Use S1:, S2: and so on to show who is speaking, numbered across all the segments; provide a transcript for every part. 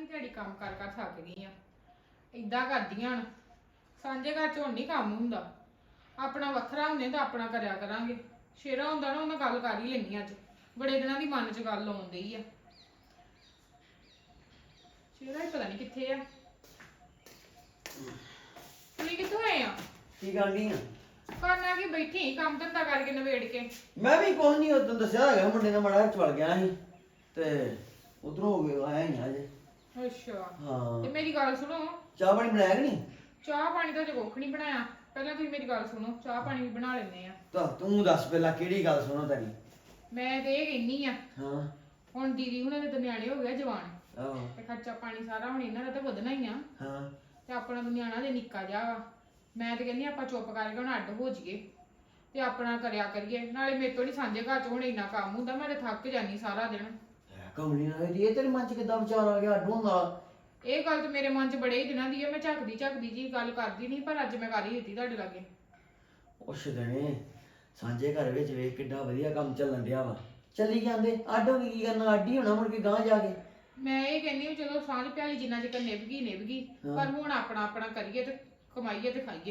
S1: ਦਿਹਾੜੀ ਕੰਮ ਕਰ ਕਰ ਥੱਕ ਗਈ ਆ। ਇਦਾਂ ਕਰਦੀਆਂ ਹਨ ਸਾਂਝੇ ਘਰ ਚ ਹੁਣ ਨਹੀਂ ਕੰਮ ਹੁੰਦਾ। ਆਪਣਾ ਵੱਖਰਾ ਹੁੰਦੇ ਤਾਂ ਆਪਣਾ ਕਰਿਆ ਕਰਾਂਗੇ। ਸ਼ੇਰਾ ਹੁੰਦਾ ਨਾ, ਉਹਨਾਂ ਗੱਲ ਕਰ ਹੀ ਲੈਣੀ ਅੱਜ। ਬੜੇ ਦਿਨਾਂ ਦੀ ਮਨ ਚ ਗੱਲ ਆਉਣ ਡਈ ਆ। ਸ਼ੇਰਾ ਹੀ ਪਤਾ ਨਹੀਂ ਕਿੱਥੇ ਆ। ਤੁਸੀਂ ਕਿੱਥੋਂ ਆਏ ਆ?
S2: ਕੀ ਕਰਨੀ ਆ?
S1: ਕਰਨਾ ਕੀ, ਬੈਠੀ ਕੰਮ ਧੰਦਾ ਕਰਕੇ ਨਵੇੜ ਕੇ।
S2: ਮੈਂ ਵੀ ਕੁਝ ਨਹੀਂ ਉਦੋਂ ਦੱਸਿਆ ਹੈਗਾ, ਮੁੰਡੇ ਨਾਲ ਮਾੜਾ ਚਲ ਗਿਆ ਸੀ ਤੇ ਉਧਰੋਂ ਹੋ ਗਿਆ ਆਇਆ ਹੀ ਅਜੇ।
S1: ਅੱਛਾ
S2: ਹਾਂ
S1: ਤੇ ਮੇਰੀ ਗੱਲ ਸੁਣੋ।
S2: ਚਾਹ ਪਾਣੀ ਬਣਾਇਆ ਕਿ ਨਹੀਂ?
S1: ਚਾਹ ਪਾਣੀ ਤਾਂ ਜੇ ਕੁੱਖ ਨਹੀਂ ਬਣਾਇਆ। ਪਹਿਲਾਂ ਤੁਸੀਂ ਮੇਰੀ ਗੱਲ ਸੁਣੋ, ਚਾਹ ਪਾਣੀ ਵੀ ਬਣਾ ਲੈਂਦੇ ਆ।
S2: ਤਾਂ ਤੂੰ ਦੱਸ ਪਹਿਲਾਂ ਕਿਹੜੀ ਗੱਲ ਸੁਣੋ ਤੇਰੀ।
S1: ਮੈਂ ਤੇ ਇਹ ਕਹਿੰਨੀ ਆ,
S2: ਹਾਂ
S1: ਹੁਣ ਦੀਦੀ ਹੁਣਾਂ ਦੇ ਤਾਂ ਨਿਆਣੇ ਹੋ ਗਏ ਜਵਾਨ,
S2: ਆਹੋ
S1: ਤੇ ਖਰਚਾ ਪਾਣੀ ਸਾਰਾ ਹੁਣ ਇਹਨਾਂ ਦਾ ਤਾਂ ਵਧਣਾ ਹੀ ਆ।
S2: ਹਾਂ
S1: ਤੇ ਆਪਣਾ ਤਾਂ ਨਿਆਣਾ ਜੇ ਨਿੱਕਾ ਜਿਹਾ ਵਾ। ਮੈਂ ਤੇ ਕਹਿੰਦੀ ਆਪਾਂ ਚੁੱਪ ਕਰਕੇ ਹੁਣ ਅੱਡ ਹੋ ਜਾਈਏ ਤੇ ਆਪਣਾ ਕਰਿਆ ਕਰੀਏ। ਨਾਲੇ ਮੇਰੇ ਤੋਂ ਨਹੀਂ ਸਾਂਝੇ ਘਰ ਚ ਹੁਣ ਇੰਨਾ ਕੰਮ ਹੁੰਦਾ। ਮੈਂ ਤੇ ਥੱਕ ਜਾਨੀ ਸਾਰਾ ਦਿਨ।
S2: ਕਮਲੀ ਨਾਲ ਇਹ ਤੇਰੇ ਮਨ ਚ ਕਿੱਦਾਂ ਵਿਚਾਰ ਆ ਗਿਆ ਅੱਡੋਂ ਦਾ?
S1: ਇਹ ਗੱਲ ਤੇ ਮੇਰੇ ਮਨ ਚ ਬੜੇ ਹੀ ਦਿਨਾਂ ਦੀ ਆ। ਮੈਂ ਝੱਕਦੀ ਜੀ ਗੱਲ ਕਰਦੀ ਨਹੀਂ, ਪਰ ਅੱਜ ਮੈਂ ਕਰ ਹੀ ਦਿੱਤੀ ਤੁਹਾਡੇ ਲਾਗੇ।
S2: ਉਸ ਦਿਨੇ ਸਾਂਝੇ ਘਰ ਵਿੱਚ ਵੇਖ ਕਿੱਡਾ ਵਧੀਆ ਕੰਮ ਚੱਲਣ ਡਿਆ ਵਾ। ਚੱਲੀ ਜਾਂਦੇ ਅੱਡ ਹੋ ਕੇ ਕੀ ਕਰਨਾ? ਅੱਡ ਹੀ ਹੋਣਾ ਮੁੜ ਕੇ ਗਾਂਹ ਜਾ ਕੇ।
S1: ਮੈਂ ਇਹ ਕਹਿੰਦੀ ਵੀ ਚਲੋ ਸਾਂਝ ਪਿਆਲੀ ਜਿੰਨਾ ਚਿਰ ਨਿਭ ਗਈ, ਪਰ ਹੁਣ ਆਪਣਾ ਆਪਣਾ ਕਰੀਏ ਤੇ ਕਮਾਈਏ ਤੇ ਖਾਈਏ।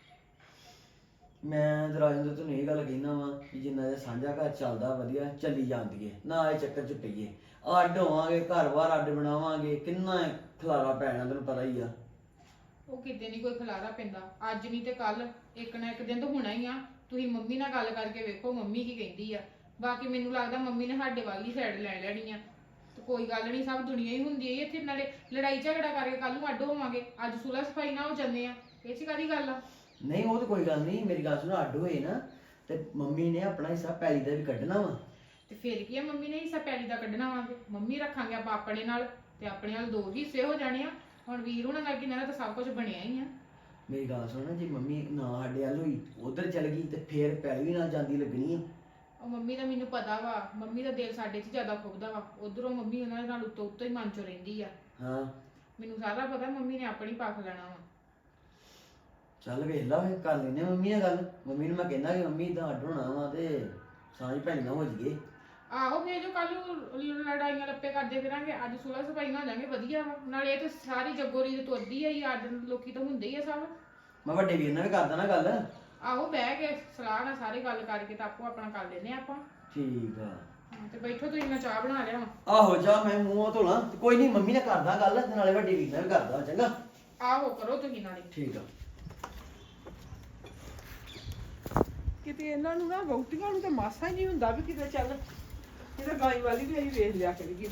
S2: ਮੈਂ ਤੇ ਰਾਜਿੰਦਰ ਤੋਂ ਇਹ ਗੱਲ ਕਹਿਣਾ ਵਾ ਕਿ ਜਿੰਨਾ ਜੇ ਸਾਂਝਾ ਘਰ ਚੱਲਦਾ ਵਧੀਆ ਚੱਲੀ ਜਾਂਦੀ ਏ, ਨਾ ਇਹ ਚੱਕਰ ਚ ਪਈਏ। ਅੱਡ ਹੋਵਾਂਗੇ, ਘਰ-ਬਾਰ ਅੱਡ ਬਣਾਵਾਂਗੇ, ਕਿੰਨਾ ਖਲਾਰਾ ਪੈਣਾ ਤੈਨੂੰ ਪਤਾ ਹੀ ਆ।
S1: ਉਹ ਕਿਤੇ ਨਹੀਂ ਕੋਈ ਖਲਾਰਾ ਪੈਂਦਾ। ਅੱਜ ਨਹੀਂ ਤੇ ਕੱਲ ਇੱਕ ਨਾ ਇੱਕ ਦਿਨ ਤਾਂ ਹੋਣਾ ਹੀ ਆ। ਤੁਸੀਂ ਮੰਮੀ ਨਾਲ ਗੱਲ ਕਰਕੇ ਵੇਖੋ ਮੰਮੀ ਕੀ ਕਹਿੰਦੀ ਆ। ਬਾਕੀ ਮੈਨੂੰ ਲੱਗਦਾ ਮੰਮੀ ਨੇ ਸਾਡੇ ਵਾਲੀ ਸਾਈਡ ਲੈ ਲੈਣੀ ਆ। ਤੇ ਕੋਈ ਗੱਲ ਨਹੀਂ, ਸਭ ਦੁਨੀਆ ਹੀ ਹੁੰਦੀ ਹੈ ਇੱਥੇ। ਨਾਲੇ ਲੜਾਈ ਝਗੜਾ ਕਰਕੇ ਕੱਲ ਨੂੰ ਅੱਡ ਹੋਵਾਂਗੇ। ਅੱਜ ਸੁਲਹ ਸਫਾਈ ਨਾ ਹੋ ਜਾਂਦੇ ਆ, ਇਹ 'ਚ ਕਾਹਦੀ ਗੱਲ ਆ?
S2: ਨਹੀਂ ਉਹ ਤਾਂ ਕੋਈ ਗੱਲ ਨਹੀਂ, ਮੇਰੀ ਗੱਲ ਸੁਣ। ਅੱਡ ਹੋਏ ਨਾ ਤੇ ਮੰਮੀ ਨੇ ਆਪਣਾ ਹਿੱਸਾ ਪੈਲੀ ਦਾ ਵੀ ਕੱਢਣਾ ਵਾ।
S1: ਤੇ ਫਿਰ ਕੀ ਆ, ਮੰਮੀ ਨੇ ਹਿੱਸਾ ਪੈਲੀ ਦਾ ਕੱਢਣਾ ਵਾ। ਮੰਮੀ ਰੱਖਾਂਗੇ ਆਪਾਂ ਆਪਣੇ ਨਾਲ, ਤੇ ਆਪਣੇ ਨਾਲ ਦੋ ਹਿੱਸੇ ਹੋ ਜਾਣੇ ਆ। ਹੁਣ ਵੀਰ ਹੋਣਾ ਕਰਕੇ ਇਹਨਾਂ ਦਾ ਤਾਂ ਸਭ ਕੁਝ ਬਣਿਆ ਹੀ ਆ।
S2: ਮੇਰੀ ਗੱਲ ਸੁਣ, ਜੇ ਮੰਮੀ ਨਾ ਸਾਡੇ ਵੱਲ ਹੋਈ ਉਧਰ ਚਲ ਗਈ ਤੇ ਫੇਰ ਪੈਲੀ ਨਾਲ ਜਾਂਦੀ ਲੱਗਣੀ ਆ।
S1: ਉਹ ਮੰਮੀ ਦਾ ਮੈਨੂੰ ਪਤਾ ਵਾ, ਮੰਮੀ ਦਾ ਦਿਲ ਸਾਡੇ 'ਚ ਜ਼ਿਆਦਾ ਖੁੱਬਦਾ ਵਾ। ਉਧਰੋਂ ਮੰਮੀ ਉਹਨਾਂ ਦੇ ਨਾਲ ਉੱਤੋਂ ਹੀ ਮਨ 'ਚ ਰਹਿੰਦੀ ਆ।
S2: ਹਾਂ
S1: ਮੈਨੂੰ ਸਾਰਾ ਪਤਾ, ਮੰਮੀ ਨੇ ਆਪਣੀ ਪੱਖ ਲੈਣਾ ਵਾ।
S2: ਚੱਲ ਵੇਖ ਲਾ ਫੇਰ ਕਰ ਲੈਨੇ ਮੰਮੀ ਨਾਲ ਗੱਲ। ਮੰਮੀ ਨੂੰ ਮੈਂ ਕਹਿੰਦਾ ਕਿ ਮੰਮੀ ਇਦਾਂ ਅੱਡ ਹੋਣਾ ਵਾ ਤੇ ਸਾਂਝ ਭੈਣੀ ਨਾ ਹੋ ਜਾਈਏ।
S1: ਆਹੋ ਫੇਰ ਜੋ ਕੱਲ ਨੂੰ ਲੜਾਈਆਂ ਲੱਪੇ ਕਰਦੇ ਫਿਰਾਂਗੇ, ਅੱਜ ਸੁਲਹ ਸਫਾਈ ਨਾ ਹੋ ਜਾਾਂਗੇ, ਵਧੀਆ ਵਾ। ਨਾਲੇ ਇਹ ਤਾਂ ਸਾਰੀ ਜੱਗੋਰੀ ਤੇ ਤੁਰਦੀ ਆ ਹੀ। ਅੱਡ ਲੋਕੀ ਤਾਂ ਹੁੰਦੇ ਹੀ ਆ ਸਭ।
S2: ਮੈਂ ਵੱਡੇ ਵੀਰ ਨਾਲ ਵੀ ਕਰਦਾ ਨਾ ਗੱਲ।
S1: ਆਹੋ ਬਹਿ ਕੇ ਸਲਾਹ ਨਾਲ ਸਾਰੇ ਗੱਲ ਕਰਕੇ ਤਾਂ ਆਪੋ ਆਪਣਾ ਕਰ ਲੈਨੇ ਆਪਾਂ।
S2: ਠੀਕ ਆ।
S1: ਤੇ ਬੈਠੋ ਤੁਸੀਂ, ਮੈਂ ਚਾਹ ਬਣਾ ਲਿਆ।
S2: ਆਹੋ ਜਾ ਮੈਂ ਮੂੰਹ ਧੋ ਲਾਂ। ਕੋਈ ਨਹੀਂ ਮੰਮੀ ਨਾਲ ਕਰਦਾ ਗੱਲ ਤੇ ਨਾਲੇ ਵੱਡੇ ਵੀਰ ਨਾਲ ਵੀ ਕਰਦਾ। ਚੰਗਾ
S1: ਆਹੋ ਕਰੋ ਤੁਸੀਂ ਨਾਲੇ।
S2: ਠੀਕ ਆ।
S3: ਕਿਤੇ ਇਹਨਾਂ ਨੂੰ ਨਾ ਵਹੁਟੀਆਂ ਨੂੰ ਤੇ ਮਾਸਾ ਹੀ ਨਹੀਂ ਹੁੰਦਾ ਵੀ ਕਿਤੇ ਚੱਲ ਕਿਤੇ ਗਾਈ ਵਾਲੀ ਵੀ ਅਸੀਂ ਵੇਖ ਲਿਆ ਕਰੀਏ।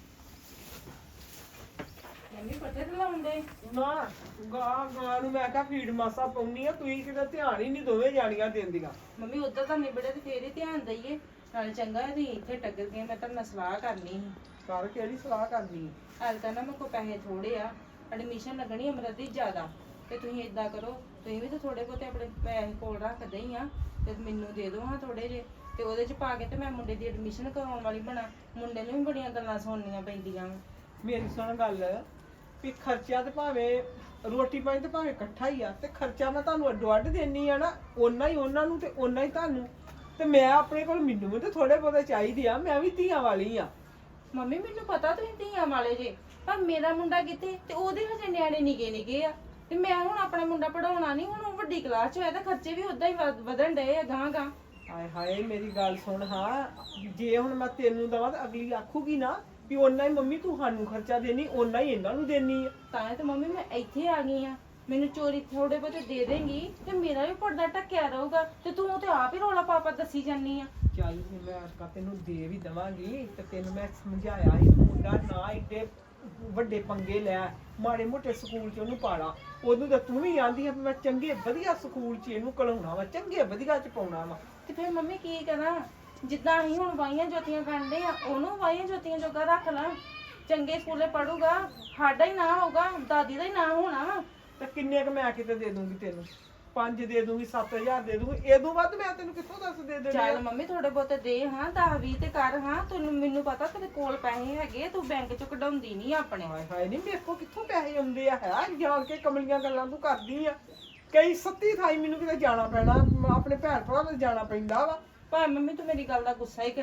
S1: ਮੰਮੀ ਪੱਠੇ ਤੇ ਲਾਉਂਦੇ?
S3: ਨਾ ਗਾਂ ਨੂੰ ਮੈਂ ਕਿਹਾ ਫੀਡ ਮਾਸਾ ਪਾਉਣੀ ਆ, ਤੁਸੀਂ ਕਿਤੇ ਧਿਆਨ ਹੀ ਨਹੀਂ ਦੋਵੇਂ ਜਾਣੀਆਂ ਦਿੰਦੀਆਂ।
S4: ਮੰਮੀ ਉਧਰ ਤਾਂ ਨਿਬੜੇ ਤੇ ਫੇਰ ਹੀ ਧਿਆਨ ਦਈਏ। ਨਾਲ ਚੰਗਾ ਤੁਸੀਂ ਇੱਥੇ ਟੱਕਰ ਗਏ। ਮੈਂ ਤਾਂ ਸਲਾਹ ਕਰਨੀ ਸੀ।
S3: ਕਰ ਕਿਹੜੀ ਸਲਾਹ ਕਰਨੀ?
S4: ਹਾਲ ਤਾਂ ਨਾ ਮੇਰੇ ਕੋਲ ਪੈਸੇ ਥੋੜੇ ਆ, ਐਡਮਿਸ਼ਨ ਲੱਗਣੀ ਅਮਰਤ ਦੀ ਜ਼ਿਆਦਾ। ਤੇ ਤੁਸੀਂ ਇਦਾਂ ਕਰੋ, ਤੁਸੀਂ ਵੀ ਤਾਂ ਥੋੜੇ ਬਹੁਤੇ ਆਪਣੇ ਪੈਸੇ ਕੋਲ ਰੱਖਦੇ ਹੀ ਆ, ਤੇ ਮੈਨੂੰ ਦੇ ਦਿਓ ਹਾਂ ਥੋੜੇ ਜਿਹੇ। ਤੇ ਉਹਦੇ ਚ ਪਾ ਕੇ ਤੇ ਮੈਂ ਮੁੰਡੇ ਦੀ ਐਡਮਿਸ਼ਨ ਕਰਾਉਣ ਵਾਲੀ ਬਣਾ। ਮੁੰਡੇ ਨੂੰ ਵੀ ਬੜੀਆਂ ਗੱਲਾਂ ਸੁਣਨੀਆਂ ਪੈਂਦੀਆਂ।
S3: ਮੇਰੀ ਸੁਣ ਗੱਲ ਵੀ ਖਰਚਾ ਤੇ ਭਾਵੇਂ ਰੋਟੀ ਪਾਣੀ ਤੇ ਭਾਵੇਂ ਇਕੱਠਾ ਹੀ ਆ, ਤੇ ਖਰਚਾ ਮੈਂ ਤੁਹਾਨੂੰ ਅੱਡੋ ਅੱਡ ਦੇਣੀ ਆ ਨਾ। ਓਨਾ ਹੀ ਉਹਨਾਂ ਨੂੰ ਤੇ ਓਨਾ ਹੀ ਤੁਹਾਨੂੰ। ਤੇ ਮੈਂ ਆਪਣੇ ਕੋਲ ਮੈਨੂੰ ਵੀ ਤੇ ਥੋੜੇ ਬਹੁਤੇ ਚਾਹੀਦੇ ਆ। ਮੈਂ ਵੀ ਧੀਆਂ ਵਾਲੀ ਆ।
S4: ਮੰਮੀ ਮੈਨੂੰ ਪਤਾ ਤੁਸੀਂ ਧੀਆਂ ਵਾਲੇ ਜੇ, ਪਰ ਮੇਰਾ ਮੁੰਡਾ ਕਿਤੇ ਤੇ ਉਹਦੇ ਹਜੇ ਨਿਆਣੇ ਨਿੱਕੇ ਆ। ਤੇ ਮੈਂ ਹੁਣ ਆਪਣਾ ਮੁੰਡਾ ਪੜਾਉਣਾ ਨਹੀਂ। ਹੁਣ ਉਹ ਵੱਡੀ ਕਲਾਸ 'ਚ ਹੋਇਆ ਤਾਂ ਖਰਚੇ ਵੀ ਉਦਾਂ ਹੀ ਵਧਣ ਡਏ ਆ ਗਾਂ ਗਾਂ।
S3: ਹਾਏ ਹਾਏ ਮੇਰੀ ਗੱਲ ਸੁਣ ਹਾਂ, ਜੇ ਹੁਣ ਮੈਂ ਤੈਨੂੰ ਦਵਾਂ ਤਾਂ ਅਗਲੀ ਆਖੂਗੀ ਨਾ ਵੀ ਓਨਾ ਹੀ ਮੰਮੀ ਤੂੰ ਸਾਨੂੰ ਖਰਚਾ ਦੇਣੀ, ਓਨਾ ਹੀ ਇਹਨਾਂ ਨੂੰ ਦੇਣੀ ਆ।
S4: ਤਾਂ ਤੇ ਮੰਮੀ ਮੈਂ ਇੱਥੇ ਆ ਗਈ ਆ। ਮੈਨੂੰ ਚੋਰੀ ਥੋੜੇ ਬਹੁਤੇ ਦੇ ਦੇਂਗੀ ਤੇ ਮੇਰਾ ਵੀ ਪਰਦਾ ਢੱਕਿਆ ਰਹੂਗਾ। ਤੇ ਤੂੰ ਤੇ ਆਪ ਹੀ ਰੌਲਾ ਪਾਪਾ ਦੱਸੀ ਜਾਨੀ ਆ।
S3: ਚੱਲ ਮੈਂ ਅਸਕਾ ਤੈਨੂੰ ਦੇ ਵੀ ਦਵਾਂਗੀ। ਤੇ ਤੈਨੂੰ ਮੈਂ ਸਮਝਾਇਆ ਹੀ ਮੁੰਡਾ ਨਾ ਏਡੇ ਵੱਡੇ ਪੰਗੇ ਲੈ, ਮਾੜੇ ਮੋਟੇ ਸਕੂਲ 'ਚ ਉਹਨੂੰ ਪਾਲਾ। ਉਹਨੂੰ ਤਾਂ ਤੂੰ ਵੀ ਆਂਦੀ ਆ ਵੀ ਮੈਂ ਚੰਗੇ ਵਧੀਆ ਸਕੂਲ 'ਚ ਇਹਨੂੰ ਕਲਾਉਣਾ ਵਾ, ਚੰਗੇ ਵਧੀਆ 'ਚ ਪਾਉਣਾ ਵਾ।
S4: ਤੇ ਫਿਰ ਮੰਮੀ ਕੀ ਕਰਾਂ? ਜਿੱਦਾਂ ਅਸੀਂ ਹੁਣ ਵਾਹੀਆਂ ਜੋਤੀਆਂ ਕਰਦੇ ਆ, ਉਹਨੂੰ ਵਾਹੀਆਂ ਜੋਤੀਆਂ ਜੋਗਾ ਰੱਖ ਲਾਂ। ਚੰਗੇ ਸਕੂਲੇ ਪੜੂਗਾ, ਸਾਡਾ ਹੀ ਨਾਂ ਹੋਊਗਾ, ਦਾਦੀ ਦਾ ਹੀ ਨਾਂ ਹੋਣਾ।
S3: ਤੇ ਕਿੰਨੇ ਕੁ ਮੈਂ ਕਿਤੇ ਦੇ ਦੂੰਗੀ ਤੈਨੂੰ? 5 ਦੇ ਦੂੰਗੀ, 7000 ਦੇ ਦੂੰਗੀ। ਇਹਦੋਂ ਵੱਧ ਮੈਂ ਤੈਨੂੰ ਕਿੱਥੋਂ ਦੱਸ ਦੇ ਦੇਣੀ?
S4: ਚੱਲ ਮੰਮੀ ਥੋੜੇ ਬਹੁਤੇ ਦੇ ਹਾਂ, 10-20 ਤੇ ਕਰ ਹਾਂ। ਤੈਨੂੰ ਮੈਨੂੰ ਪਤਾ ਤੇਰੇ ਕੋਲ ਪੈਸੇ ਹੈਗੇ, ਤੂੰ ਬੈਂਕ 'ਚ ਕਢਾਉਂਦੀ ਨਹੀਂ ਆਪਣੇ।
S3: ਹਾਏ ਹਾਏ ਨਹੀਂ, ਮੇਰੇ ਕੋਲ ਕਿੱਥੋਂ ਪੈਸੇ ਆਉਂਦੇ ਆ? ਹੈ ਜਾਣ ਕੇ ਕਮਲੀਆਂ ਗੱਲਾਂ ਤੂੰ ਕਰਦੀ ਆ। ਕਈ 37 ਥਾਈ ਮੈਨੂੰ ਕਿਤੇ ਜਾਣਾ ਪੈਣਾ, ਆਪਣੇ ਭੈਣ ਭਰਾ ਨਾਲ ਜਾਣਾ ਪੈਂਦਾ ਵਾ।
S4: ਭਾਵੇਂ ਮੰਮੀ ਤੂੰ ਮੇਰੀ ਗੱਲ ਦਾ ਗੁੱਸਾ ਹੀ ਕਰੀ,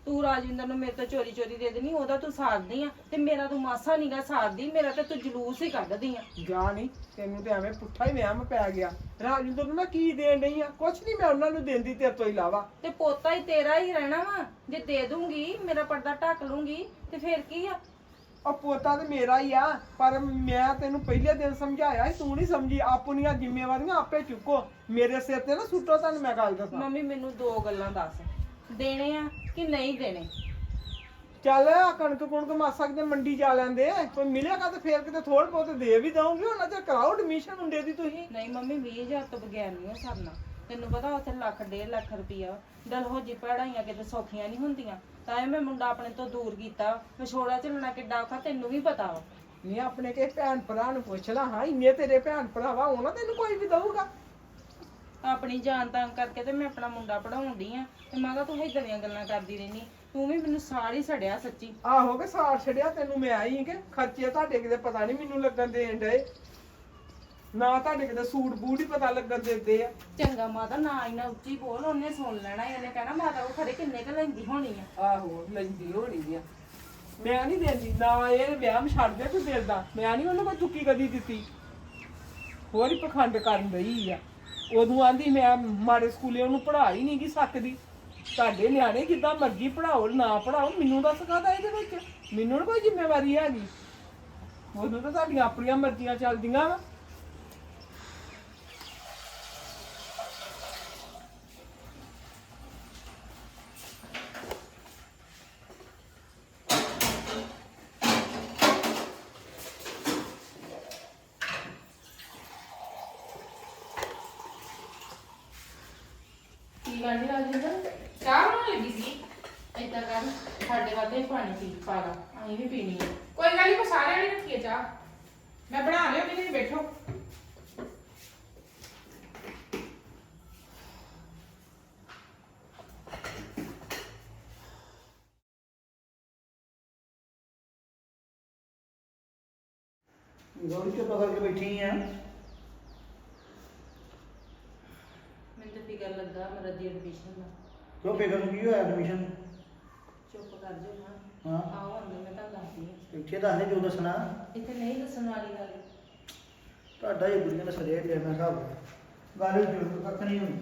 S4: ਤੂੰ ਰਾਜਵਿੰਦਰ ਨੂੰ ਮੇਰੇ ਤੋਂ ਚੋਰੀ ਚੋਰੀ ਦੇ ਦੇਣੀ, ਉਹਦਾ ਤੂੰ ਸਾਰਦੀ ਆ ਤੇ ਮੇਰਾ ਤੂੰ ਮਾਸਾ ਨੀਗਾ ਸਾਰਦੀ, ਮੇਰਾ ਤੇ ਤੂੰ ਜਲੂਸ ਹੀ ਕੱਢਦੀ ਆ।
S3: ਜਾ ਨਹੀਂ, ਤੈਨੂੰ ਤੇ ਐਵੇਂ ਪੁੱਠਾ ਹੀ ਵਹਿਮ ਪੈ ਗਿਆ। ਰਾਜਿੰਦਰ ਨੂੰ ਮੈਂ ਕੀ ਦੇਣ ਡਈ ਆ? ਕੁਛ ਨਹੀਂ ਮੈਂ ਉਹਨਾਂ ਨੂੰ ਦਿੰਦੀ ਤੇਰੇ ਤੋਂ ਇਲਾਵਾ।
S4: ਤੇ ਪੋਤਾ ਹੀ ਤੇਰਾ ਹੀ ਰਹਿਣਾ ਵਾ, ਜੇ ਦੇ ਦੂੰਗੀ ਮੇਰਾ ਪਰਦਾ ਢੱਕ ਲੂੰਗੀ ਤੇ ਫਿਰ ਕੀ ਆ?
S3: ਉਹ ਪੋਤਾ ਤੇ ਮੇਰਾ ਹੀ ਆ, ਪਰ ਮੈਂ ਤੈਨੂੰ ਪਹਿਲੇ ਦਿਨ ਸਮਝਾਇਆ ਸੀ, ਤੂੰ ਨਹੀਂ ਸਮਝੀ। ਆਪਣੀਆਂ ਜ਼ਿੰਮੇਵਾਰੀਆਂ ਆਪੇ ਚੁੱਕੋ, ਮੇਰੇ ਸਿਰ ਤੇ ਨਾ ਸੁੱਟੋ। ਤੁਹਾਨੂੰ ਮੈਂ ਗੱਲ ਦੱਸਾਂ,
S4: ਮੰਮੀ ਮੈਨੂੰ ਦੋ ਗੱਲਾਂ ਦੱਸ, ਦੇਣੇ ਆ ਕਿ ਨਹੀਂ ਦੇਣੇ?
S3: ਚੱਲ ਆ ਕਣਕ ਕੁਣਕ ਮਾਸਾ ਕਿਤੇ ਮੰਡੀ ਜਾ ਲੈਂਦੇ, ਕੋਈ ਮਿਲੇਗਾ ਤੇ ਫੇਰ ਕਿਤੇ ਥੋੜ ਬਹੁਤ ਦੇ ਵੀ ਦਊਂਗੀ। ਉਹਨਾਂ ਚ ਕਰਾਓ ਐਡਮਿਸ਼ਨ ਹੁੰਦੇ ਦੀ ਤੁਸੀਂ।
S4: ਨਹੀਂ ਮੰਮੀ 20,000 ਤੋਂ ਬਗੈਰ ਨਹੀਂ ਸਰਨਾ। ਤੈਨੂੰ ਪਤਾ ਉੱਥੇ ਲੱਖ 1.5 ਲੱਖ ਰੁਪਈਆ ਡਲਹੋਜੀ ਪੜਾਈਆਂ ਕਿਤੇ ਸੌਖੀਆਂ ਨਹੀਂ ਹੁੰਦੀਆਂ, ਤਾਂ ਇਹ ਮੈਂ ਮੁੰਡਾ ਆਪਣੇ ਤੋਂ ਦੂਰ ਕੀਤਾ। ਵਿਛੋੜਾ ਝੱਲਣਾ ਕਿੱਡਾ ਔਖਾ ਤੈਨੂੰ ਵੀ ਪਤਾ ਵਾ।
S3: ਨਹੀਂ ਆਪਣੇ ਕੇ ਭੈਣ ਭਰਾ ਨੂੰ ਪੁੱਛ ਲਾ, ਹਾਂ ਇੰਨੇ ਤੇਰੇ ਭੈਣ ਭਰਾ ਵਾ, ਉਹਨਾਂ ਤੈਨੂੰ ਕੋਈ ਵੀ ਦਊਗਾ।
S4: ਆਪਣੀ ਜਾਨ ਤੰਗ ਕਰਕੇ ਤੇ ਮੈਂ ਆਪਣਾ ਮੁੰਡਾ ਪੜਾਉਂਦੀ ਆ ਤੇ ਮੈਂ ਕਿਹਾ ਤੂੰ ਏਦਾਂ ਦੀਆਂ ਗੱਲਾਂ ਕਰਦੀ ਰਹਿਨੀ, ਤੂੰ ਵੀ ਮੈਨੂੰ ਸਾਰੀ ਸੜਿਆ ਸੱਚੀ।
S3: ਆਹੋ ਕਿ ਸਾਰ ਛੜਿਆ ਤੈਨੂੰ ਮੈਂ ਆਈ ਕਿ ਖਰਚੇ ਤੁਹਾਡੇ ਕਿਤੇ ਪਤਾ ਨਹੀਂ ਮੈਨੂੰ ਲੱਗਣ ਦੇਣ ਡਏ, ਨਾ ਤੁਹਾਡੇ ਕਿਤੇ ਸੂਟ ਬੂਟ ਹੀ ਪਤਾ ਲੱਗਣ ਦਿੰਦੇ ਆ।
S4: ਚੰਗਾ ਮਾਤਾ ਨਾ ਇੰਨਾ ਉੱਚੀ ਬੋਲ, ਉਹਨੇ ਸੁਣ ਲੈਣਾ, ਇਹਨੇ ਕਹਿਣਾ ਮਾਤਾ ਉਹ ਖਰੇ ਕਿੰਨੇ ਕ ਲੈਂਦੀ ਹੋਣੀ ਆ।
S3: ਆਹੋ ਲੈਂਦੀ ਹੋਣੀ ਆ, ਮੈਂ ਨਹੀਂ ਦਿੰਦੀ ਨਾ। ਇਹ ਵਿਆਹ ਛੱਡ ਦੇ ਤੂੰ ਦਿਲ ਦਾ, ਮੈਂ ਨਹੀਂ ਉਹਨੂੰ ਕੋਈ ਚੁੱਕੀ ਕਦੀ ਦਿੱਤੀ। ਹੋਰ ਹੀ ਪਖੰਡ ਕਰਨ ਰਹੀ ਆ। ਉਦੋਂ ਆਂਦੀ ਮੈਂ ਮਾੜੇ ਸਕੂਲੇ ਉਹਨੂੰ ਪੜ੍ਹਾ ਹੀ ਨਹੀਂ ਗੀ ਸਕਦੀ। ਤੁਹਾਡੇ ਨਿਆਣੇ ਜਿੱਦਾਂ ਮਰਜ਼ੀ ਪੜਾਓ ਨਾ ਪੜਾਓ, ਮੈਨੂੰ ਦੱਸ ਕਾਹਦਾ ਇਹਦੇ ਵਿੱਚ? ਮੈਨੂੰ ਨੀ ਕੋਈ ਜ਼ਿੰਮੇਵਾਰੀ ਹੈਗੀ। ਉਦੋਂ ਤਾਂ ਤੁਹਾਡੀਆਂ ਆਪਣੀਆਂ ਮਰਜ਼ੀਆਂ ਚੱਲਦੀਆਂ ਵਾ।
S4: ਕੀ ਕਰਨੀ ਰਾਜਿੰਦਰ? ਚਾਹ ਬਣਾਉਣ ਲੱਗੀ ਸੀ। ਏਦਾਂ ਕਰ, ਸਾਡੇ ਵਾਸਤੇ ਪਾਣੀ ਪੀ ਪਾ ਲਾ, ਅਸੀਂ ਵੀ ਪੀਣੀ ਹੈ।
S1: ਕੋਈ ਗੱਲ ਨਹੀਂ, ਮੈਂ ਸਾਰਿਆਂ ਲਈ ਰੱਖੀ ਆ ਚਾਹ, ਮੈਂ ਬਣਾ ਲਿਆ, ਤੁਸੀਂ ਬੈਠੋ।
S2: ਗੋਲੀ ਚੁੱਪ ਕਰਕੇ ਬੈਠੀ ਆ।
S4: ਮੈਨੂੰ ਤਾਂ ਫਿਕਰ ਲੱਗਾ ਮੇਰਾ ਦੀ ਐਡਮਿਸ਼ਨ ਦਾ।
S2: ਕਿਉਂ ਫਿਕਰ ਨੂੰ ਕੀ ਹੋਇਆ ਐਡਮਿਸ਼ਨ?
S4: ਚੁੱਪ ਕਰ ਜਾਓ ਨਾ।
S2: ਹਾਂ
S4: ਆਓ ਅੰਦਰ, ਮੈਂ ਤਾਂ ਦੱਸਦੀ ਹਾਂ।
S2: ਇੱਥੇ ਦੱਸ ਦੇ ਜੋ ਦੱਸਣਾ।
S4: ਇੱਥੇ ਨਹੀਂ ਦੱਸਣ ਵਾਲੀ ਗੱਲ।
S2: ਤੁਹਾਡਾ ਇਹ ਬੁੜੀਆਂ ਦਾ ਸਰਿਆ ਪਿਆ ਮੈਂ ਹਿਸਾਬ। ਗੱਲ ਜੁੜ ਕੱਖ ਨਹੀਂ ਹੋਣੀ।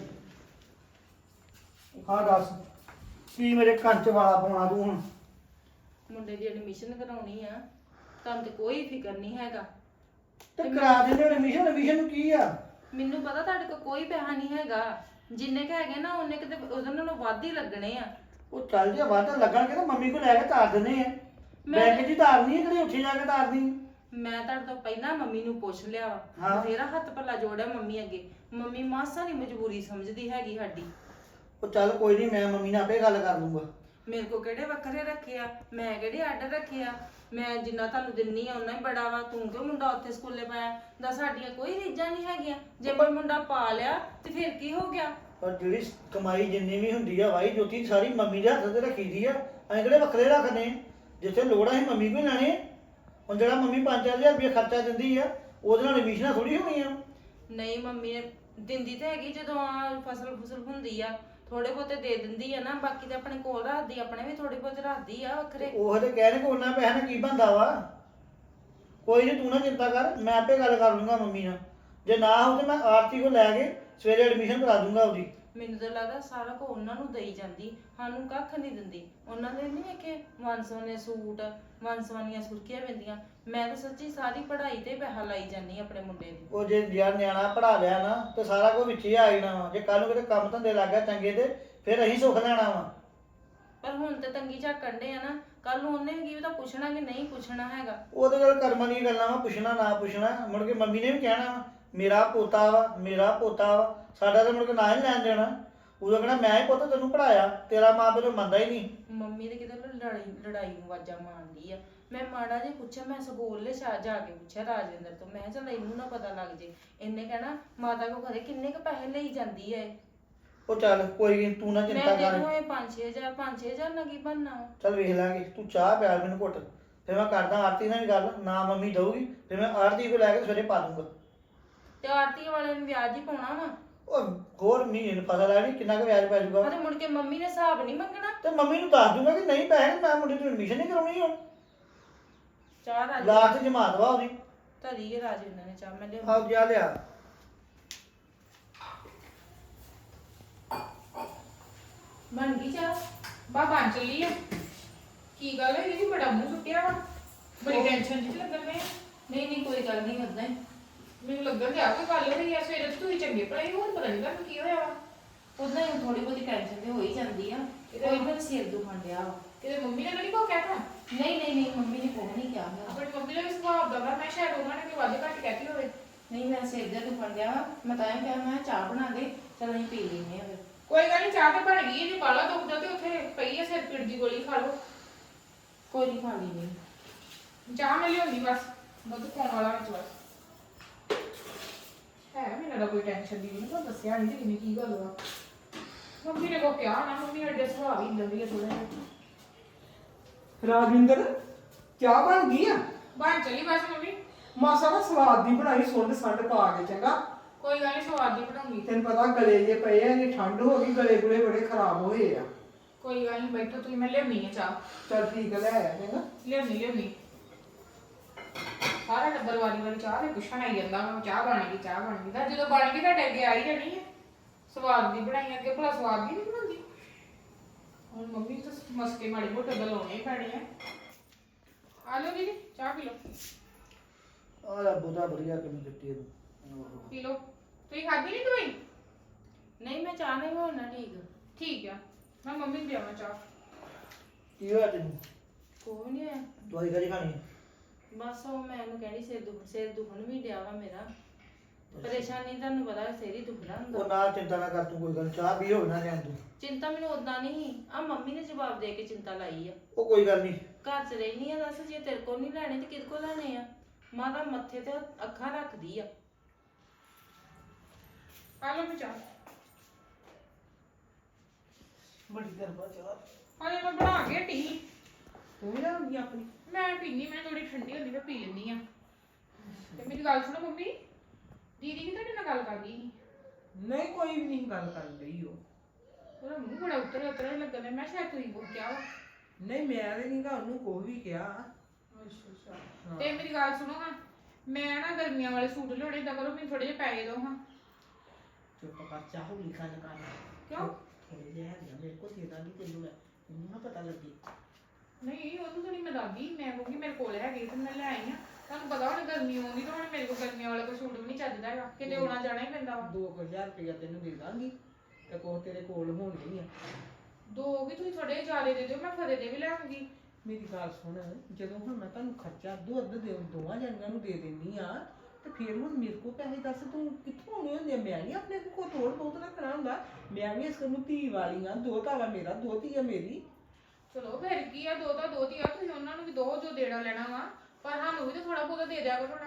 S2: ਹਾਂ ਦੱਸ ਕੀ ਮੇਰੇ ਕੰਨ ਚ ਵਾਲਾ ਪਾਉਣਾ ਤੂੰ ਹੁਣ?
S4: ਮੁੰਡੇ ਦੀ ਐਡਮਿਸ਼ਨ ਕਰਾਉਣੀ ਆ, ਤੁਹਾਨੂੰ ਤੇ ਕੋਈ ਫਿਕਰ ਨਹੀਂ ਹੈਗਾ।
S2: ਤੇ ਕਰਾ ਦਿੰਦੇ ਐਡਮਿਸ਼ਨ। ਐਡਮਿਸ਼ਨ ਨੂੰ ਕੀ ਆ?
S4: ਮੈਨੂੰ ਪਤਾ ਤੁਹਾਡੇ ਕੋਲ ਕੋਈ ਪੈਸਾ ਨਹੀਂ ਹੈਗਾ, ਜਿੰਨੇ ਕ ਹੈਗੇ ਨਾ ਉਹਨੇ ਕਿਤੇ ਉਹਦੇ ਨਾਲੋਂ ਵੱਧ ਹੀ ਲੱਗਣੇ ਆ।
S2: ਉਹ ਚੱਲ ਜੇ ਵਾਧਾ ਲੱਗਣਗੇ ਤਾਂ ਮੰਮੀ ਕੋਲ ਲੈ ਕੇ ਤਾਰ ਦਿੰਦੇ ਆ।
S4: ਮੈਂ-
S2: ਬੈਂਕ 'ਚ ਹੀ ਤਾਰਨੀ ਹੈ, ਕਿਤੇ ਉੱਥੇ ਜਾ ਕੇ ਤਾਰਨੀ।
S4: ਮੈਂ ਤੁਹਾਡੇ ਤੋਂ ਪਹਿਲਾਂ ਮੰਮੀ ਨੂੰ ਪੁੱਛ ਲਿਆ ਵਾ,
S2: ਹਾਂ।
S4: ਬਥੇਰਾ ਹੱਥ ਪੱਲਾ ਜੋੜਿਆ ਮੰਮੀ ਅੱਗੇ। ਮੰਮੀ ਮਾਸਾ ਨਹੀਂ ਮਜਬੂਰੀ ਸਮਝਦੀ ਹੈਗੀ ਸਾਡੀ।
S2: ਉਹ ਚੱਲ ਕੋਈ ਨਹੀਂ, ਮੈਂ ਮੰਮੀ ਨਾਲ ਆਪੇ ਗੱਲ ਕਰ ਲੂੰਗਾ।
S4: ਮੇਰੇ ਕੋ ਕਿਹੜੇ ਵੱਖਰੇ ਰੱਖੇ ਆ, ਮੈਂ ਕਿਹੜੇ ਅੱਡ ਰੱਖੇ ਆ? ਮੈਂ ਜਿੰਨਾ ਤੁਹਾਨੂੰ ਦਿੰਨੀ ਆ ਉਹਨਾਂ ਹੀ ਬੜਾ ਵਾ। ਤੂੰ ਕਿਉਂ ਮੁੰਡਾ ਉੱਥੇ ਸਕੂਲੇ ਪਾਇਆ? ਦਾ ਸਾਡੀਆਂ ਕੋਈ ਰੀਝਾਂ ਨਹੀਂ ਹੈਗੀਆਂ। ਜੇ ਕੋਈ ਮੁੰਡਾ ਪਾ ਲਿਆ ਤੇ ਫਿਰ ਕੀ ਹੋ ਗਿਆ?
S2: ਪਰ ਜਿਹੜੀ ਕਮਾਈ ਜਿੰਨੀ ਵੀ ਹੁੰਦੀ ਆ ਵਾਈ ਜੋਤੀ ਸਾਰੀ ਮੰਮੀ ਦੇ ਹੱਥ ਤੇ ਰੱਖੀ ਦੀ ਆ। ਅਸੀਂ ਕਿਹੜੇ ਵੱਖਰੇ ਰੱਖਦੇ ਆ? ਜਿੱਥੇ ਲੋੜ ਆ ਅਸੀਂ ਮੰਮੀ ਕੋਲ ਲੈਣੇ ਆ। ਹੁਣ ਜਿਹੜਾ ਮੰਮੀ 5,000 ਰੁਪਏ ਖਰਚਾ ਦਿੰਦੀ ਆ ਉਹਦੇ ਨਾਲ ਐਡਮਿਸ਼ਨਾਂ ਥੋੜੀ ਹੋਣੀਆਂ।
S4: ਨਹੀਂ ਮੰਮੀ ਨੇ ਦਿੰਦੀ ਤੇ ਹੈਗੀ, ਜਦੋਂ ਆ ਫਸਲ ਹੁੰਦੀ ਆ ਥੋੜੇ ਬਹੁਤੇ ਦੇ ਦਿੰਦੀ ਆ ਨਾ, ਬਾਕੀ ਤੇ ਆਪਣੇ ਕੋਲ ਰੱਖਦੀ, ਆਪਣੇ ਵੀ ਥੋੜੇ ਬਹੁਤੇ ਰੱਖਦੀ ਆ ਵੱਖਰੇ।
S2: ਉਹ ਤੇ ਕਹਿਣ ਕਿ ਉਹਨਾਂ ਪੈਸੇ ਨਾਲ ਕੀ ਬਣਦਾ ਵਾ। ਕੋਈ ਨਹੀਂ, ਤੂੰ ਨਾ ਚਿੰਤਾ ਕਰ, ਮੈਂ ਆਪੇ ਗੱਲ ਕਰ ਲੂੰਗਾ ਮੰਮੀ ਨਾਲ। ਜੇ ਨਾ ਹੋ ਤੇ ਮੈਂ ਆਰਤੀ ਕੋਲ ਲੈ ਕੇ ਸਵੇਰੇ ਐਡਮਿਸ਼ਨ ਕਰਾ ਦੂੰਗਾ ਉਹਦੀ।
S4: ਮੈਨੂੰ ਤਾਂ ਲੱਗਦਾ ਸਾਰਾ ਕੁਝ ਉਹਨਾਂ ਨੂੰ ਦੇਈ ਜਾਂਦੀ, ਸਾਨੂੰ ਕੱਖ ਨਹੀਂ ਦਿੰਦੀ। ਉਹਨਾਂ ਦੇ ਨਹੀਂ ਵੇਖੇ ਵੰਸਵਨੇ ਸੂਟ, ਵੰਸਵਨੀਆਂ ਸੁਰਖੀਆਂ ਪੈਂਦੀਆਂ। ਮੈਂ ਤਾਂ ਸੱਚੀ ਸਾਰੀ ਪੜ੍ਹਾਈ ਤੇ ਪੈਸਾ ਲਾਈ ਜਾਂਦੀ ਆਪਣੇ ਮੁੰਡੇ ਦੀ।
S2: ਉਹ ਜੇ ਯਾਰ ਨਿਆਣਾ ਪੜਾ ਲਿਆ ਨਾ ਤੇ ਸਾਰਾ ਕੁਝ ਵਿੱਚ ਹੀ ਆ ਜਾਣਾ ਵਾ। ਜੇ ਕੱਲ ਨੂੰ ਕਿਤੇ ਕੰਮ ਧੰਦੇ ਲੱਗ ਗਿਆ ਚੰਗੇ ਤੇ ਫਿਰ ਅਸੀਂ ਸੁੱਖ ਲੈਣਾ ਵਾ।
S4: ਪਰ ਹੁਣ ਤੇ ਤੰਗੀ ਝਾਕਣ ਡੇ ਆ ਨਾ, ਕੱਲ ਨੂੰ ਉਹਨੇ ਵੀ ਕੀ ਪਤਾ ਪੁੱਛਣਾ ਕਿ ਨਹੀਂ ਪੁੱਛਣਾ ਹੈਗਾ।
S2: ਉਹਦੇ ਨਾਲ ਕਰਮਾਂ ਦੀਆਂ ਗੱਲਾਂ ਵਾ, ਪੁੱਛਣਾ ਨਾ ਪੁੱਛਣਾ। ਮੁੜ ਕੇ ਮੰਮੀ ਨੇ ਵੀ ਕਹਿਣਾ ਵਾ ਮੇਰਾ ਪੋਤਾ ਵਾ, ਮੇਰਾ ਪੋਤਾ ਵਾ। ਸਾਡਾ ਤਾਂ ਮੁੜ ਕੇ ਨਾ ਹੀ ਲੈਣ ਦੇਣਾ। ਉਦੋਂ ਕਹਿਣਾ ਮੈਂ ਹੀ ਪੁੱਤ ਤੈਨੂੰ ਪੜਾਇਆ, ਤੇਰਾ ਮਾਂ ਪਿਓ ਮੰਨਦਾ ਹੀ ਨਹੀਂ।
S4: ਮੰਮੀ ਦੇ ਕਿਤੇ ਲੜਾਈ ਨੂੰ ਆਵਾਜ਼ਾਂ ਮਾਰਦੀ ਆ। ਮੈਂ ਮਾੜਾ ਜਿਹਾ ਪੁੱਛਿਆ, ਮੈਂ ਸਗੋਲੇ ਜਾ ਕੇ ਪੁੱਛਿਆ ਰਾਜਿੰਦਰ ਤੋਂ, ਮੈਂ ਕਿਹਾ ਚੱਲ ਇਹਨੂੰ ਨਾ ਪਤਾ ਲੱਗ ਜੇ। ਇਹਨੇ ਕਹਿਣਾ ਮਾਤਾ ਕੋ ਘਰੇ ਕਿੰਨੇ ਕ ਪੈਸੇ ਲਈ ਜਾਂਦੀ ਐ।
S2: ਉਹ ਚੱਲ ਕੋਈ ਨੀ, ਤੂੰ ਨਾ
S4: ਮੈਂ
S2: ਚਿੰਤਾ ਕਰ।
S4: ਤੈਨੂੰ ਇਹ 5-6 ਹਜ਼ਾਰ ਨਾਲ ਕੀ ਬਣਨਾ?
S2: ਚੱਲ ਵੇਖ ਲਾਂਗੇ, ਤੂੰ ਚਾਹ ਪਿਆ ਮੈਨੂੰ ਘੁੱਟ। ਫਿਰ ਮੈਂ ਕਰਦਾ ਆਰਤੀ ਨਾਲ ਵੀ ਗੱਲ, ਨਾ ਮੰਮੀ ਦਊਗੀ ਫਿਰ ਮੈਂ ਆਰਤੀ ਕੋ ਲੈ ਕੇ ਸਵੇਰੇ ਪਾ ਦੂੰਗਾ।
S4: ਤੇ ਆਰਤੀ ਵਾਲੇ ਨੂੰ ਵਿਆਜ ਹੀ ਪਾਉਣਾ ਵਾ।
S2: ਉਹ ਹੋਰ ਮਹੀਨੇ ਨੂੰ ਪਤਾ ਲੱਗ ਨਹੀਂ ਕਿੰਨਾ ਕੁ ਵਿਆਜ ਪੈ ਜਾਊਗਾ।
S4: ਤੇ ਮੁੜ ਕੇ ਮੰਮੀ ਨੇ ਹਿਸਾਬ ਨਹੀਂ ਮੰਗਣਾ।
S2: ਤੇ ਮੰਮੀ ਨੂੰ ਦੱਸ ਦੂੰਗਾ ਕਿ ਨਹੀਂ ਪੈਸੇ ਮੈਂ ਮੁੰਡੇ ਦੀ ਐਡਮਿਸ਼ਨ ਨਹੀਂ ਕਰਾਉਣੀ ਹੁਣ।
S4: ਚਾਹ ਰਾਜ
S2: ਲਾਸਟ ਜਮਾਤ ਵਾ ਉਹਦੀ।
S4: ਧਰੀ ਹੈ ਰਾਜਵਿੰਦਰ ਨੇ ਚਾਹ ਮੈਂ ਲਿਆ।
S2: ਆਹ ਜਾ ਲਿਆ।
S4: ਬਣ ਗਈ ਚਾਹ?
S1: ਬਣ ਚੱਲੀ ਆ। ਕੀ ਗੱਲ ਹੈ ਜੀ, ਬੜਾ ਮੂੰਹ ਸੁੱਟਿਆ ਵਾ, ਬੜੀ ਟੈਨਸ਼ਨ ਜਿਹੀ ਲੱਗਣ ਡਈ ਆ।
S4: ਨਹੀਂ ਕੋਈ ਗੱਲ ਨਹੀਂ ਕਰਦਾ।
S1: ਮੈਨੂੰ ਲੱਗਣ ਤੇ ਆ ਕੋਈ ਗੱਲ ਹੋਈ ਆ ਸਵੇਰੇ ਤੇ ਤੁਸੀਂ ਚੰਗੇ ਭਲੇ ਹੋਰ ਪਤਾ ਨਹੀਂ ਤੁਹਾਨੂੰ ਕੀ ਹੋਇਆ ਵਾ।
S4: ਉਦਾਂ ਹੀ ਥੋੜੀ ਬਹੁਤੀ ਟੈਨਸ਼ਨ ਤੇ ਹੋ ਹੀ ਜਾਂਦੀ ਆ। ਕੋਈ ਨਾ ਸਿਰ ਦੁਖਣ ਡਿਆ ਵਾ।
S1: ਕਿਤੇ ਮੰਮੀ ਨੇ ਤਾਂ ਨਹੀਂ ਕੋ ਕਹਿਤਾ?
S4: ਨਹੀਂ ਮੰਮੀ ਨੇ ਕੁਝ ਨਹੀਂ ਕਿਹਾ ਮੇਰਾ।
S1: ਆਪਣੀ ਮੰਮੀ ਦਾ ਵੀ ਸੁਭਾਅ ਦਾ ਵਾ, ਮੈਂ ਸ਼ਾਇਦ ਉਹਨਾਂ ਨੇ ਕੋਈ ਵਾਦੇ ਘੱਟ ਕਹਿਤੀ ਹੋਵੇ।
S4: ਨਹੀਂ ਮੇਰਾ ਸਿਰ ਜਿਹਾ ਦੁਖਣ ਡਿਆ ਵਾ। ਮੈਂ ਤਾਂ ਹੀ ਕਿਹਾ ਮੈਂ ਚਾਹ ਬਣਾ ਦੇ, ਚਲ ਅਸੀਂ ਪੀ ਲੈਂਦੇ ਆ ਫਿਰ।
S1: ਕੋਈ ਗੱਲ ਨਹੀਂ, ਚਾਹ ਤੇ ਬਣ ਗਈ ਹੈ, ਜੇ ਬਾਲਾ ਦੁਖਦਾ ਤੇ ਉੱਥੇ ਪਈ ਹੈ ਸਿਰ ਪੀੜ ਦੀ ਗੋਲੀ ਖਾ ਲਓ।
S4: ਕੋਈ ਨਹੀਂ ਖਾ ਲੈਂਦੇ।
S1: ਚਾਹ ਮੈਂ ਲਿਆਉਂਦੀ ਬਸ, ਦੁੱਧ ਪਾਉਣ ਵਾਲਾ ਵਿੱਚ ਬਸ ਹੈ। ਮੈਨੂੰ ਤਾਂ ਕੋਈ ਟੈਨਸ਼ਨ ਦੀ ਨਹੀਂ, ਤੁਹਾਨੂੰ ਦੱਸਿਆ ਨਹੀਂ ਕਿ ਕੀ ਗੱਲ ਵਾ। ਮੰਮੀ ਨੇ ਕੋ ਕਿਹਾ ਨਾ, ਮੰਮੀ ਅੱਡੇ ਸੁਭਾਅ ਹੀ ਇਦਾਂ ਦੀ ਹੈ ਥੋੜਾ ਜਿਹਾ।
S3: ਰਾਜਵਿੰਦਰ ਚਾਹ ਬਣ ਗਈ ਆ?
S1: ਬਣ ਚੱਲੀ ਬਸ ਮੰਮੀ।
S3: ਮਾਸਾ ਨਾ ਸਵਾਦ ਦੀ ਬਣਾਈ, ਸੁੰਡ ਸੰਡ ਪਾ ਕੇ ਚੰਗਾ।
S1: ਕੋਈ ਗੱਲ ਨਹੀਂ, ਸਵਾਦ ਦੀ ਬਣਾਉਂਗੀ।
S3: ਤੈਨੂੰ ਪਤਾ ਗਲੇ ਜੇ ਪਏ ਆ, ਜੇ ਠੰਡ ਹੋ ਗਈ ਗਲੇ ਗੁਲੇ ਬੜੇ ਖਰਾਬ ਹੋਏ ਆ।
S1: ਕੋਈ ਗੱਲ ਨਹੀਂ, ਬੈਠੋ ਤੁਸੀਂ, ਮੈਂ ਲਿਆਉਣੀ ਆ ਚਾਹ।
S3: ਚੱਲ ਠੀਕ ਹੈ, ਲੈ ਆਇਆ ਚੰਗਾ।
S1: ਲਿਆਉਣੀ ਸਾਰਾ ਟੱਬਰ ਵਾਰੀ ਚਾਹ ਦੇ ਪੁੱਛਣ ਆਈ ਜਾਂਦਾ ਵਾ, ਚਾਹ ਬਣ ਗਈ ਤਾਂ ਜਦੋਂ ਬਣ ਗਈ ਤੁਹਾਡੇ ਅੱਗੇ ਆਈ ਜਾਣੀ ਹੈ। ਸਵਾਦ ਦੀ ਬਣਾਈ, ਅੱਗੇ ਭਲਾ ਸਵਾਦ ਦੀ ਨਹੀਂ ਬਣਾਉਂਦੀ। ਹੁਣ ਮੰਮੀ ਤਾਂ ਮਸਕੇ ਮਾੜੇ ਮੋਟੇ ਬਲਾਉਣੇ ਹੀ ਪੈਣੇ ਆ। ਆ ਲਓ ਦੀਦੀ, ਚਾਹ ਪੀ ਲਓ।
S2: ਆਹ ਲੈ ਬੁੱਧਾ ਵਧੀਆ ਕਿਵੇਂ ਦਿੱਤੀ ਇਹਨੂੰ।
S1: ਪੀ ਲਓ। ਤੁਸੀਂ ਖਾਧੀ ਨਹੀਂ ਦਵਾਈ?
S4: ਨਹੀਂ ਮੈਂ ਚਾਹ ਨਹੀਂ ਹੋਣਾ।
S1: ਠੀਕ ਆ, ਮੈਂ ਮੰਮੀ ਨੂੰ ਦੇਵਾਂ ਚਾਹ।
S2: ਕੀ ਹੋਇਆ ਤੈਨੂੰ?
S4: ਕੋਈ ਨਹੀਂ ਆ।
S2: ਦਵਾਈ ਕਰੀ ਖਾਣੀ ਹੈ?
S4: ਬਸ ਉਹ ਮੈਂ ਉਹਨੂੰ ਕਹਿਣੀ ਸਿਰ ਦੁਖਣ ਵੀ ਡਿਆ ਵਾ ਮੇਰਾ। ਪਰੇਸ਼ਾਨੀ ਤੁਹਾਨੂੰ ਪਤਾ ਸਿਰ ਹੀ ਦੁਖਦਾ
S2: ਉਹ
S4: ਹੁੰਦਾ।
S2: ਨਾ ਚਿੰਤਾ ਨਾ ਕਰ ਤੂੰ, ਕੋਈ ਗੱਲ ਚਾਹ ਪੀ ਹੋ ਨਾ ਜਾਂ ਤੂੰ।
S4: ਚਿੰਤਾ ਮੈਨੂੰ ਉਦਾਂ ਨਹੀਂ, ਆ ਮੰਮੀ ਨੇ ਜਵਾਬ ਦੇ ਕੇ ਚਿੰਤਾ ਲਾਈ ਆ।
S2: ਉਹ ਕੋਈ ਗੱਲ ਨਹੀਂ।
S4: ਘਰ 'ਚ ਰਹਿਣੀ ਆ, ਦੱਸ ਜੇ ਤੇਰੇ ਕੋਲ ਨਹੀਂ ਲੈਣੇ ਤੇ ਕਿਹਦੇ ਕੋਲ ਲੈਣੇ ਆ? ਮਾਤਾ ਮੱਥੇ ਤੇ ਅੱਖਾਂ ਰੱਖਦੀ ਆ।
S1: ਆ ਲਓ ਚਾਹ।
S3: ਬੜੀ ਗਰਬਾ ਚਾਹ।
S1: ਹਾਲੇ ਮੈਂ ਬਣਾ ਕੇ ਟੀ।
S3: ਤੂੰ ਵੀ ਲਿਆਉਂਦੀ ਆਪਣੀ?
S1: ਮੈਂ ਪੀਣੀ, ਮੈਂ ਥੋੜੀ ਠੰਡੀ ਹੁੰਦੀ ਮੈਂ ਪੀ ਲੈਂਦੀ ਆ। ਤੇ ਮੇਰੀ ਗੱਲ ਸੁਣੋ ਮੰਮੀ, ਦੀਦੀ ਕੀ ਤੁਹਾਡੇ ਨਾਲ ਗੱਲ ਕਰਦੀ ਸੀ?
S3: ਨਹੀਂ ਕੋਈ ਵੀ ਨਹੀਂ ਗੱਲ ਕਰ ਰਹੀ ਉਹ।
S1: ਉਹਦਾ ਮੂੰਹ ਬੜਾ ਉਤਰਿਆ ਲੱਗਦਾ, ਮੈਂ ਸ਼ਾਇਦ ਤੁਸੀਂ ਕੋ ਕਿਹਾ ਵਾ।
S3: ਨਹੀਂ ਮੈਂ ਤੇ ਨਹੀਂਗਾ ਉਹਨੂੰ ਕੋਈ ਵੀ ਕਿਹਾ।
S1: ਅੱਛਾ। ਤੇ ਮੇਰੀ ਗੱਲ ਸੁਣੋ ਹਾਂ, ਮੈਂ ਨਾ ਗਰਮੀਆਂ ਵਾਲੇ ਸੂਟ ਲਿਆਉਣੇ, ਏਦਾਂ ਕਰੋ ਮੈਨੂੰ ਥੋੜੇ ਜਿਹੇ ਪੈਸੇ ਦਿਓ ਹਾਂ।
S3: ਚੁੱਪ ਕਰ, ਚਾਹੂ ਲਿਖਾ ਲਗਾ।
S1: ਕਿਉਂ?
S3: ਥੋੜੇ ਜਿਹੇ ਹੈਗੇ ਮੇਰੇ ਕੋਲ, ਦੇ ਦਾਂਗੀ ਤੈਨੂੰ ਮੈਂ, ਮੈਨੂੰ ਨਾ ਪਤਾ ਲੱਗੇ।
S1: ਨਹੀਂ ਉਹਨੂੰ ਤਾਂ ਨਹੀਂ ਮੈਂ ਦਾਦੀ, ਮੈਂ ਕਹੂੰਗੀ ਮੇਰੇ ਕੋਲ ਹੈਗੇ ਤੇ ਮੈਂ ਲੈ ਆਈ ਆ। ਤੁਹਾਨੂੰ ਪਤਾ ਹੁਣ ਗਰਮੀ ਆਉਂਦੀ ਤਾਂ ਹੁਣ ਮੇਰੇ ਕੋਲ ਗਰਮੀਆਂ ਵਾਲਾ ਕੋਈ ਸੂਟ ਵੀ ਨਹੀਂ ਚੱਜਦਾ ਹੈਗਾ, ਕਿਤੇ ਆਉਣਾ ਜਾਣਾ ਹੀ ਪੈਂਦਾ ਵਾ।
S3: 2000 ਰੁਪਇਆ ਤੈਨੂੰ ਦੇ ਦਾਂਗੀ ਤੇ ਕੋ ਤੇਰੇ ਕੋਲ ਹੋਣੀ ਆ।
S1: ਦੋ ਵੀ ਤੁਸੀਂ ਥੋੜੇ ਜ਼ਿਆਦਾ ਦੇ ਦਿਓ, ਮੈਂ ਫਰੇ ਦੇ ਵੀ ਲੈ ਆਉਂਗੀ।
S3: ਮੇਰੀ ਗੱਲ ਸੁਣ, ਜਦੋਂ ਹੁਣ ਮੈਂ ਤੁਹਾਨੂੰ ਖਰਚਾ ਦੁੱਧ ਦੇ ਦੋਵਾਂ ਜਣਿਆਂ ਨੂੰ ਦੇ ਦਿੰਨੀ ਆ ਤੇ ਫਿਰ ਹੁਣ ਮੇਰੇ ਕੋਲ ਪੈਸੇ ਦੱਸ ਤੂੰ ਕਿੱਥੋਂ ਆਉਣੇ ਹੁੰਦੇ ਆ? ਮੈਂ ਨਹੀਂ ਆਪਣੇ ਕੋਲ ਥੋੜ ਬਹੁਤ ਰੱਖਣਾ ਹੁੰਦਾ। ਮੈਂ ਵੀ ਇਸ ਨੂੰ ਧੀ ਵਾਲੀ ਆ, ਦੋ ਧਾਵਾ ਮੇਰਾ, ਦੋ ਧੀ ਆ ਮੇਰੀ।
S1: ਚਲੋ ਫਿਰ ਕੀ ਆ, ਦੋ ਤਾਂ ਦੋ ਧੀ ਆ, ਤੁਸੀਂ ਉਹਨਾਂ ਨੂੰ ਵੀ ਦੋ ਜੋ ਦੇਣਾ ਲੈਣਾ ਵਾ, ਪਰ ਸਾਨੂੰ ਵੀ ਤਾਂ ਥੋੜਾ ਬਹੁਤਾ ਦੇ ਦਿਆ ਕਰੋ ਨਾ।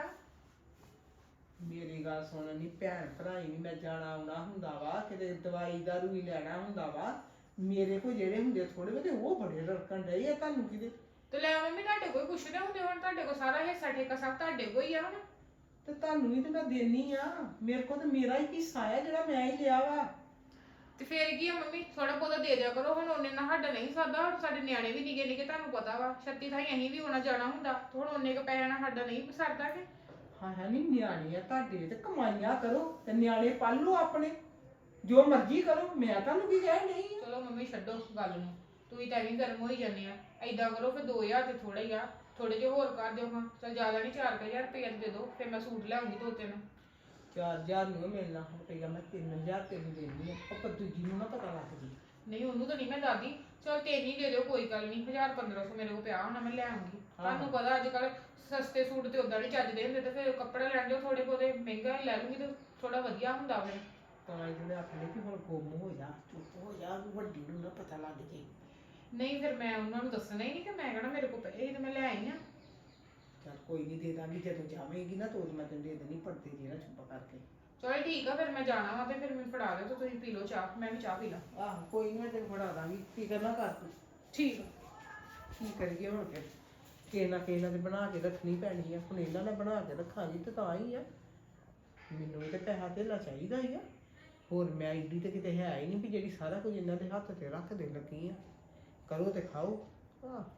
S3: ਮੇਰੀ ਗੱਲ ਸੁਣ, ਨਹੀਂ ਭੈਣ ਭਰਾ ਹੀ ਨਹੀਂ ਮੈਂ ਜਾਣਾ ਆਉਣਾ ਹੁੰਦਾ ਵਾ, ਕਿਤੇ ਦਵਾਈ ਦਾਰੂ ਵੀ ਲੈਣਾ ਹੁੰਦਾ ਵਾ। ਮੇਰੇ ਕੋਲ ਜਿਹੜੇ ਹੁੰਦੇ ਥੋੜੇ ਬਹੁਤੇ ਉਹ ਬੜੇ ਰੜਕਣ ਡਏ ਆ, ਤੁਹਾਨੂੰ ਕਿਤੇ।
S1: ਤੇ ਲੈ ਮੰਮੀ ਤੁਹਾਡੇ ਕੋਈ ਪੁੱਛਦੇ ਹੁੰਦੇ, ਹੁਣ ਤੁਹਾਡੇ ਕੋਲ ਸਾਰਾ ਹਿੱਸਾ ਠੇਕਾ ਸਭ ਤੁਹਾਡੇ ਕੋਲ ਹੀ ਆ ਹੁਣ।
S3: ਤੇ ਤੁਹਾਨੂੰ ਵੀ ਤੇ ਮੈਂ ਦੇਣੀ ਆ, ਮੇਰੇ ਕੋਲ ਤੇ ਮੇਰਾ ਹੀ ਹਿੱਸਾ ਆ ਜਿਹੜਾ ਮੈਂ ਹੀ ਲਿਆ ਵਾ।
S1: ਤੇ ਫੇਰ ਕੀ ਆ ਮੰਮੀ, ਥੋੜਾ ਬਹੁਤਾ ਦੇ ਦਿਆ ਕਰੋ। ਹੁਣ ਉਹਨੇ ਨਾਲ ਸਾਡਾ ਨਹੀਂ ਸਰਦਾ, ਹੁਣ ਸਾਡੇ ਨਿਆਣੇ ਵੀ ਨਿੱਕੇ ਨਿੱਕੇ, ਤੁਹਾਨੂੰ ਪਤਾ ਵਾ 36 ਥਾਈ ਅਸੀਂ ਵੀ ਆਉਣਾ ਜਾਣਾ ਹੁੰਦਾ, ਤੇ ਹੁਣ ਉਹਨੇ ਕ ਪੈਸੇ ਨਾਲ ਸਾਡਾ ਨਹੀਂ ਸਰਦਾ ਕਿ।
S3: ਹਾਂ ਨਹੀਂ ਨਿਆਣੇ ਆ ਤੁਹਾਡੇ, ਤੇ ਕਮਾਈਆਂ ਕਰੋ ਤੇ ਨਿਆਣੇ ਪਾਲੋ ਆਪਣੇ, ਜੋ ਮਰਜ਼ੀ ਕਰੋ, ਮੈਂ ਤੁਹਾਨੂੰ ਕੀ ਕਹਿ ਨਹੀਂ।
S1: ਚਲੋ ਮੰਮੀ ਛੱਡੋ ਗੱਲ ਨੂੰ, ਤੁਸੀਂ ਤਾਂ ਐਵੇਂ ਗਰਮ ਹੋਈ ਜਾਂਦੇ ਆ। ਏਦਾਂ ਕਰੋ ਫਿਰ 2000 ਤੇ ਥੋੜਾ ਹੀ ਆ, ਥੋੜੇ ਜਿਹੇ ਹੋਰ ਕਰ ਦਿਓ ਹਾਂ। ਚਲ ਜ਼ਿਆਦਾ ਨਹੀਂ, 4000 ਰੁਪਏ ਦੇ ਦਿਓ, ਫਿਰ ਮੈਂ ਸੂਟ ਲਿਆਉਂਗੀ 2-3।
S3: 4000 ਨੂੰ ਮਿਲਣਾ ਰੁਪਈਆ, ਮੈਂ 3000 ਤੈਨੂੰ ਦੇਣੀ ਆ, ਉਹ ਦੂਜੀ ਨੂੰ ਨਾ ਪਤਾ ਲੱਗ ਜੀ।
S1: ਨਹੀਂ ਉਹਨੂੰ ਤਾਂ ਨਹੀਂ ਮੈਂ ਦਾਦੀ, ਚਲ 3 ਹੀ ਦੇ ਦਿਓ, ਕੋਈ ਗੱਲ ਨਹੀਂ। 1000-1500 ਮੇਰੇ ਕੋਲ ਪਿਆ ਹੋਣਾ, ਮੈਂ ਲੈ ਆਉਂਗੀ। ਤੁਹਾਨੂੰ ਪਤਾ ਅੱਜ ਕੱਲ ਸਸਤੇ ਸੂਟ ਤੇ ਉਦਾਂ ਨਹੀਂ ਚੱਜਦੇ ਹੁੰਦੇ, ਤੇ ਫਿਰ ਕੱਪੜੇ ਲੈਣ ਦਿਓ ਥੋੜੇ ਬਹੁਤੇ ਮਹਿੰਗਾ ਲੈ ਲੂੰਗੀ ਤੇ ਥੋੜਾ ਵਧੀਆ ਹੁੰਦਾ ਫਿਰ।
S3: ਤਾਂ ਇਹਨੇ ਆਖਣੇ ਕਿ ਹੁਣ ਗੁੰਮ ਹੋ ਜਾ, ਚੁੱਪ ਹੋ ਜਾ, ਵੱਡੀ ਨੂੰ ਨਾ ਪਤਾ ਲੱਗ ਜੇ।
S1: ਨਹੀਂ ਫਿਰ ਮੈਂ ਉਹਨਾਂ ਨੂੰ ਦੱਸਣਾ ਹੀ ਨਹੀਂ ਕਿ ਮੈਂ ਕਹਿਣਾ ਮੇਰੇ ਕੋਲ ਪਏ ਤੇ ਮੈਂ ਲੈ ਆਈ ਆ।
S3: ਚੱਲ ਕੋਈ ਨਹੀਂ, ਦੇ ਦਾਂਗੀ ਜਦੋਂ ਜਾਵੇਂਗੀ ਨਾ ਤੋ ਮੈਂ ਤੈਨੂੰ ਦੇ ਦੇਣੀ ਪੜਦੇ ਜੀ ਨਾ, ਚੁੱਪ ਕਰਕੇ।
S1: ਚਲ ਠੀਕ ਆ, ਫਿਰ ਮੈਂ ਜਾਣਾ ਵਾ ਤੇ ਫਿਰ ਮੈਨੂੰ ਫੜਾ ਦਿਓ ਤੇ ਤੁਸੀਂ ਪੀ ਲਓ ਚਾਹ, ਮੈਂ ਵੀ ਚਾਹ ਪੀ ਲਾਂ।
S3: ਆਹ ਕੋਈ ਨਹੀਂ, ਮੈਂ ਤੈਨੂੰ ਫੜਾ ਦਾਂਗੀ, ਫਿਕਰ ਨਾ ਕਰ ਤੂੰ।
S1: ਠੀਕ ਆ।
S3: ਕੀ ਕਰੀਏ ਹੁਣ ਫਿਰ, ਕਿਸੇ ਨਾ ਤੇ ਬਣਾ ਕੇ ਰੱਖਣੀ ਪੈਣੀ ਆ। ਹੁਣ ਇਹਨਾਂ ਨੇ ਬਣਾ ਕੇ ਰੱਖਾਂਗੀ ਤੇ ਤਾਂ ਹੀ ਆ, ਮੈਨੂੰ ਵੀ ਤੇ ਪੈਸਾ ਧੇਲਾ ਚਾਹੀਦਾ ਹੀ ਆ। ਹੋਰ ਮੈਂ ਇੱਡੀ ਤੇ ਕਿਤੇ ਹੈ ਹੀ ਨਹੀਂ ਵੀ ਜਿਹੜੀ ਸਾਰਾ ਕੁਝ ਇਹਨਾਂ ਦੇ ਹੱਥ ਤੇ ਰੱਖ ਦੇ ਲੱਗੀ ਆ। ਕਰੋ ਤੇ ਖਾਓ। ਹਾਂ